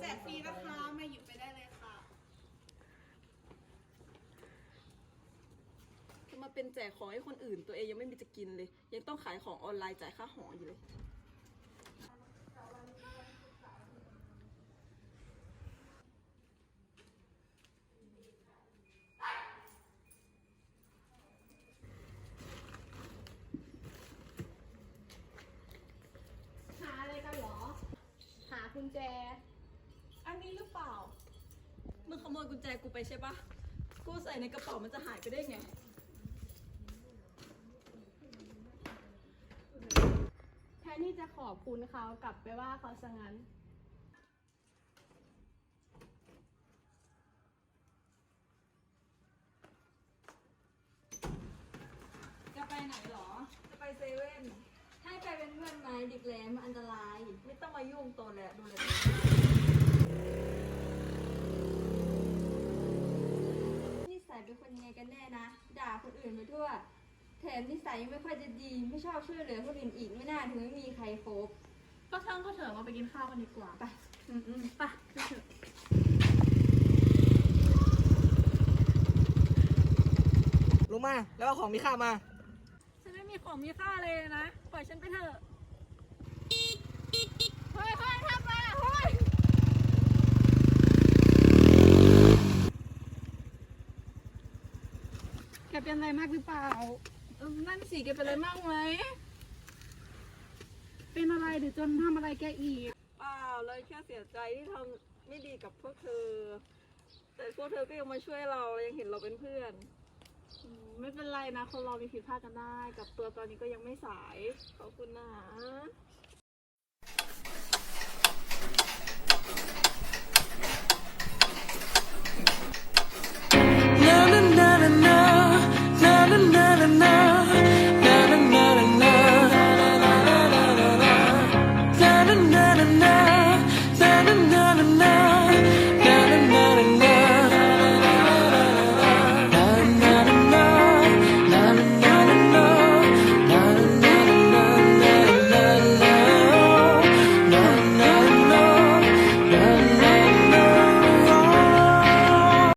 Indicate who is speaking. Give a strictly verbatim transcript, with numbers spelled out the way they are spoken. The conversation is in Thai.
Speaker 1: กฟรีนะคะมาหยิบไปได้เลยค่ะ
Speaker 2: จะมาเป็นแจกของให้คนอื่นตัวเองยังไม่มีจะกินเลยยังต้องขายของออนไลน์จ่ายค่าหออยู่เลย
Speaker 3: หาอะไรกันเหรอ หากุญแจ
Speaker 2: อันนี้หรือเปล่ามึงขโมยกุญแจกูไปใช่ปะกูใส่ในกระเป๋ามันจะหายไปได้ไง
Speaker 3: แทนที่จะขอบคุณเขากลับไปว่าเขาซะงั้น
Speaker 2: จะไปไหนหรอจะไปเซเว่นให้ไปเป็นเพื่อนไหมเด็กแหลมมันอันตรายไม่ต้องมายุ่งตัวแหละดูแลนิสัยเป็นคนยังไงกันแน่นะด่าคนอื่นไปทั่วแถมนิสัยยังไม่ค่อยจะดีไม่ชอบช่วยเหลือคนอื่นอีกไม่น่าถึงไม่มีใครคบ
Speaker 3: ก็ช่างก็เถอะมาไปกินข้าวกันดีกว่า
Speaker 2: ไปอืมอืม
Speaker 3: ไปไปเถอะ
Speaker 4: ลงมาแล้วเอาของมีค่ามา
Speaker 3: ฉันไม่มีของมีค่าเลยนะ ปล่อยฉันไปเถอะ เฮ้ยเฮ้ยทำมาเฮ้ยแกเป็นอะไรมากหรือเปล่าเออนั่นสิแกเป็นอะไรมากไหม เป็นอะไรหรือจนทำอะไรแกอีก
Speaker 2: เปล่าเลยแค่เสียใจที่ทำไม่ดีกับพวกเธอ แต่พวกเธอก็ยังมาช่วยเรายังเห็นเราเป็นเพื่อน
Speaker 3: อืมไม่เป็นไรนะ คนเรามีผิดพลาดกันได้ กับตัวตอนนี้ก็ยังไม่สาย
Speaker 2: ขอบคุณนะ